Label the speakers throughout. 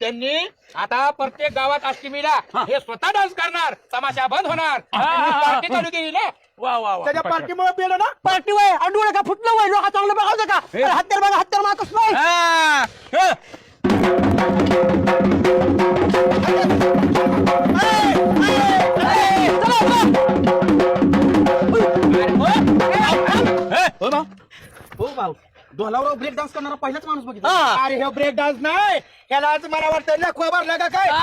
Speaker 1: त्यांनी आता प्रत्येक गावात अष्टमीला हे स्वतः डान्स करणार, तमाशा बंद होणार. पार्टी चालू केली ना.
Speaker 2: वा वा वा.
Speaker 1: त्याच्या पार्टीमुळे पेलं ना.
Speaker 3: पार्टी वय अडूळ का फुटलं वय लोक चांगलं बघावं का हत्यार बघा हत्यार मारतोस नाही
Speaker 2: हा, ह.
Speaker 1: हो भाऊ, ढोलावर ब्रेक डान्स करणारा पहिलाच माणूस बघितला. अरे हे ब्रेक डान्स नाही, ह्याला आज मला वाटतं लखवा भरला का काय.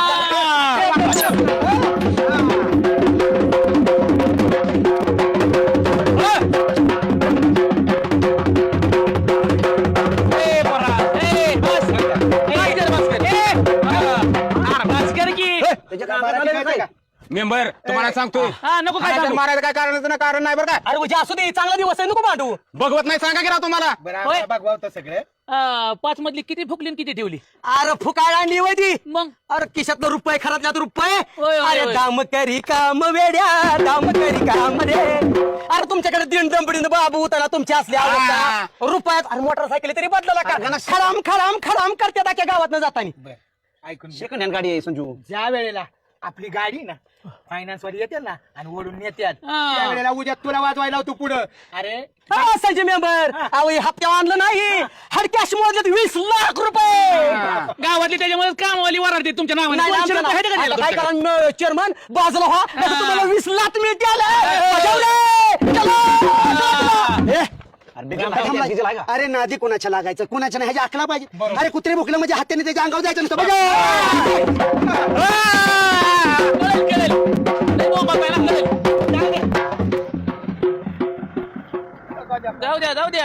Speaker 2: ए, पोरा, ए, बस. ए, इधर बस कर. अरे, बस कर की. मेंबर तुम्हाला सांगतोय
Speaker 3: हा नको काय सांगू.
Speaker 2: मारायचं काय कारण नाही बरं काय.
Speaker 3: अरे म्हणजे असू दे चांगला दिवस आहे नको मांडू
Speaker 2: बघवत नाही सांगा की राव तुम्हाला.
Speaker 1: बरं बघ सगळे
Speaker 4: 5 मधली किती फुकली आणि किती ठेवली
Speaker 3: अरे फुकाळ आणली वय ती
Speaker 4: मग
Speaker 3: अरे खिशातलं रुपये खरातल्यात रुपये
Speaker 4: होय, होय,
Speaker 3: अरे
Speaker 4: होय.
Speaker 3: दाम करी काम वेड्या दाम करी काम रे अरे तुमच्याकडे दिन डंबडीन बाबू त्याला तुमची असली आवडता रुपयात अरे मोटरसायकल तरी बदलला का खराम खराम खराम करते त्या गावात न जातानी
Speaker 1: ऐकून घे.
Speaker 3: सेकंड हँड गाडी आहे संजू
Speaker 1: ज्या वेळेला आपली गाडी ना फायनान्स वर येते ना आणि ओढून नेत्यात
Speaker 4: हा.
Speaker 1: त्या वेळेला उद्या तुला वाजवायला तू पुढं. अरे
Speaker 3: हा, संजय मेंबर अहो हप्त्यावर आणलं नाही हड कॅश मोजले 20 लाख रुपये
Speaker 4: गावातली त्याच्यामुळे कामवाली वराडते तुमच्या नावाने
Speaker 3: नाही,
Speaker 4: कोणची
Speaker 3: आमचं
Speaker 4: लोकं आहेत का
Speaker 3: नाही.
Speaker 4: त्याला
Speaker 3: आता काय
Speaker 4: तुमच्याकडे?
Speaker 3: करा चेअरमन बाजूला व्हा नाहीतर तुम्हाला 20 लाख मिळते अरे नादी कोणाच्या लागायचं कोणाच्या नाही ह्याची अकला पाहिजे अरे कुत्रे भुकलं म्हणजे हाताने त्याच्या अंगावर जायचं नसतं
Speaker 4: कळेल, कळेल. लय बोंबा पाहिला, कळेल. जाऊ द्या जाऊ द्या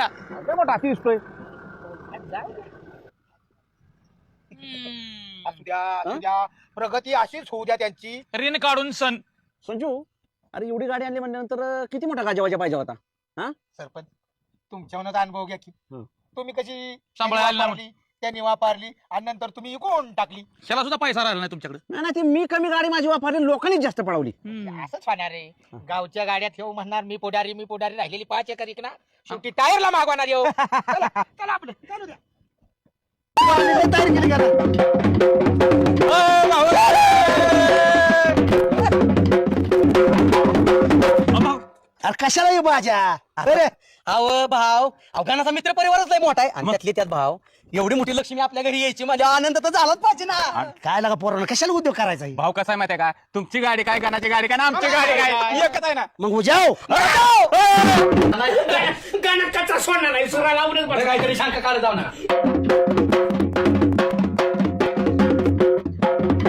Speaker 1: असू द्या प्रगती अशीच होऊ द्या त्यांची.
Speaker 4: ऋण काढून सण
Speaker 3: संजू अरे एवढी गाडी आणली म्हणल्यानंतर किती मोठा गाजावाजा पाहिजे होता
Speaker 1: सरपंच तुमच्यावरच अनुभव घ्या की
Speaker 4: हो.
Speaker 1: तुम्ही कशी
Speaker 4: सांभाळायला
Speaker 1: वापरली, त्यांनी वापरली आणि नंतर तुम्ही इकून टाकली.
Speaker 4: त्याला सुद्धा पैसा राहिला नाही तुमच्याकडे
Speaker 3: नाही ती मी कमी गाडी माझी वापरली लोकांनीच जास्त पळवली
Speaker 1: असंच होणार रे. गावच्या गाड्यात येऊ म्हणणार मी पुढारी राहिलेली 5 एकर इकणार शेवटी टायरला मागवणार येऊ. चला चला आपलं चालू द्या.
Speaker 3: तयारी केली का अरे कशाला येऊ माझ्या अरे अहो भाव अवघानाचा मित्र परिवारच लय मोठा आहे आणि त्यातले त्यात भाव एवढी मोठी लक्ष्मी आपल्या घरी यायची माझ्या आनंद तर झालाच पाहिजे ना काय लागा पोरांना कशाला उद्योग करायचा आहे?
Speaker 2: भाऊ कसा आहे माहिती आहे का, तुमची गाडी काय गाण्याची गाडी काय ना आमची गाडी काय एकच आहे ना.
Speaker 3: मग उजाव
Speaker 4: गाण्यात कच्चा सोडणार नाही सुरा लावूनच काहीतरी शंका काढत जाऊ ना.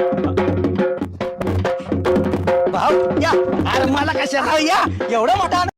Speaker 3: भाव या अरे मला कशाला या एवढा मोठा